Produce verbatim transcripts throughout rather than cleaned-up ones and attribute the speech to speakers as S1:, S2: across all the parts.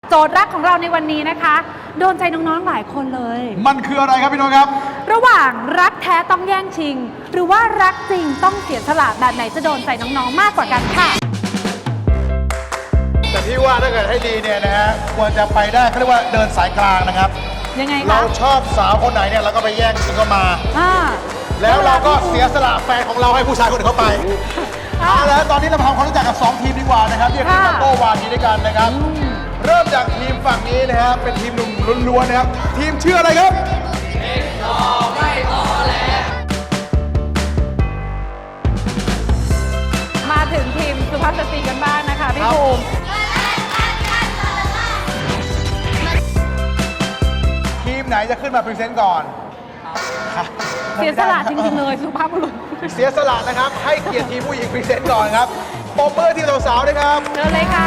S1: โจทย์รักของเราในวันนี้นะคะโดนใจน้องๆหลายคนเลย
S2: มันคืออะไรครับพี่โน้ตครับ
S1: ระหว่างรักแท้ต้องแย่งชิงหรือว่ารักจริงต้องเสียสละแบบไหนจะโดนใจน้องๆมากกว่ากันค่ะ
S2: แต่พี่ว่าถ้าเกิดให้ดีเนี่ยนะฮะควรจะไปได้เขาเรียกว่าเดินสายกลางนะครับ
S1: ยังไงคะ
S2: เราชอบสาวคนไหนเนี่ยเราก็ไปแย่งชิงเข้ามาแล้วเราก็เสียสละแฟนของเราให้ผู้ชายคนอื่นเข้าไปเอาแล้วตอนนี้เราทำความรู้จักกับสองทีมดีกว่านะครับเรียกทีมโต้วาทีด้วยกันนะครับเริ่มจากทีมฝั่งนี้นะฮะเป็นทีมหนุ่มล้วนๆนะครับทีมชื่ออะไรครับเด็กต่อไม่ต่อแล้ว
S1: มาถึงทีมสุภาพสตรีกันบ้างนะคะพี่ภูมิ
S2: ทีมไหนจะขึ้นมาพรีเซนต์ก่อน
S1: เสียสละจริงๆเลยสุภาพบุรุษ
S2: เสียสละนะครับให้เกียรติทีมผู้หญิงพรีเซนต์ก่อนครับปมมือทีมสาวๆด้วยครับ
S1: เชิญเลยค่ะ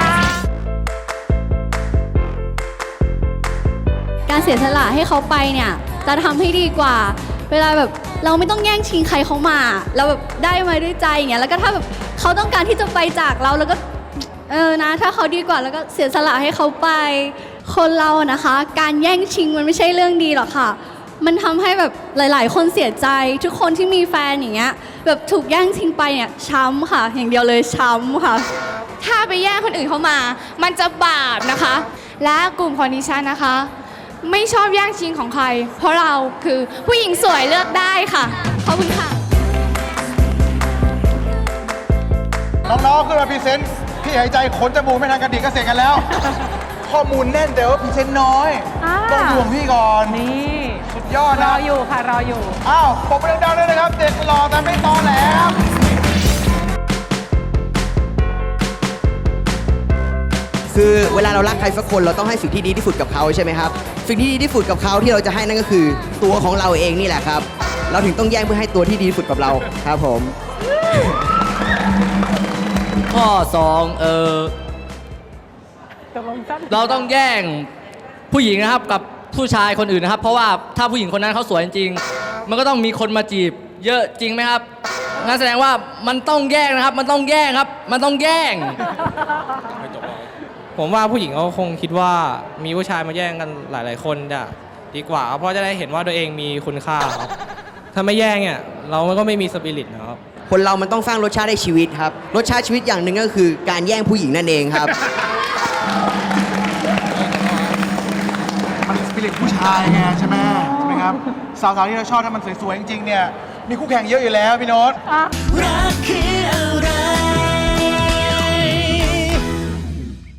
S3: การเสียสละให้เขาไปเนี่ยจะทำให้ดีกว่าเวลาแบบเราไม่ต้องแย่งชิงใครเขามาเราแบบได้มาด้วยใจอย่างเงี้ยแล้วก็ถ้าแบบเขาต้องการที่จะไปจากเราแล้วก็เออนะถ้าเขาดีกว่าแล้วก็เสียสละให้เขาไปคนเรานะคะการแย่งชิงมันไม่ใช่เรื่องดีหรอกค่ะมันทำให้แบบหลายๆคนเสียใจทุกคนที่มีแฟนอย่างเงี้ยแบบถูกแย่งชิงไปเนี่ยช้ำค่ะอย่างเดียวเลยช้ำค่ะ
S4: ถ้าไปแย่งคนอื่นเขามามันจะบาปนะคะและกลุ่มของดิฉันนะคะไม่ชอบแย่งชิงของใครเพราะเราคือผู้หญิงสวยเลือกได้ค่ะขอบคุณค่ะ
S2: น้องๆขึ้นมาพรีเซนต์พี่หายใจขนจมูกไม่ทันกระดิกก็เสร็จกันแล้วข้อมูลแน่นแต่ว่าพรีเซนต์น้อยต้องห่วงพี่ก่อน
S1: นี่
S2: สุดยอดนะ
S1: รออยู่ค่ะรออยู่
S2: อ้าวปรบมือดังๆด้วยนะครับเด็กหล่อแต่ไม่ตอแหล
S5: คือเวลาเรารักใครสักคนเราต้องให้สิ่งที่ดีที่สุดกับเขาใช่ไหมครับสิ่งที่ดีที่สุดกับเขาที่เราจะให้นั่นก็คือตัวของเราเองนี่แหละครับเราถึงต้องแย่งเพื่อให้ตัวที่ดีที่สุดกับเราครับผม
S6: ข้อสองเออเราต้องแย่งผู้หญิงนะครับกับผู้ชายคนอื่นนะครับเพราะว่าถ้าผู้หญิงคนนั้นเขาสวยจริงมันก็ต้องมีคนมาจีบเยอะจริงไหมครับงั้นแสดงว่ามันต้องแย่งนะครับมันต้องแย่งครับมันต้องแย่ง
S7: ผมว่าผู้หญิงเขาคงคิดว่ามีผู้ชายมาแย่งกันหลายๆคนจะดีกว่าเพราะจะได้เห็นว่าตัวเองมีคุณค่าครับถ้าไม่แย่งเนี่ยเราก็ไม่มีสปิริตนะครับ
S5: คนเรามันต้องสร้างรสชาติให้ชีวิตครับรสชาติชีวิตอย่างหนึ่งก็คือการแย่งผู้หญิงนั่นเองครับ
S2: มันสปิริตผู้ชายไงใช่ไหมใช่ไหมครับสาวๆที่เราชอบถ้ามันสวยๆจริงๆเนี่ยมีคู่แข่งเยอะอยู่แล้วพี่โน้ต
S8: รักคือ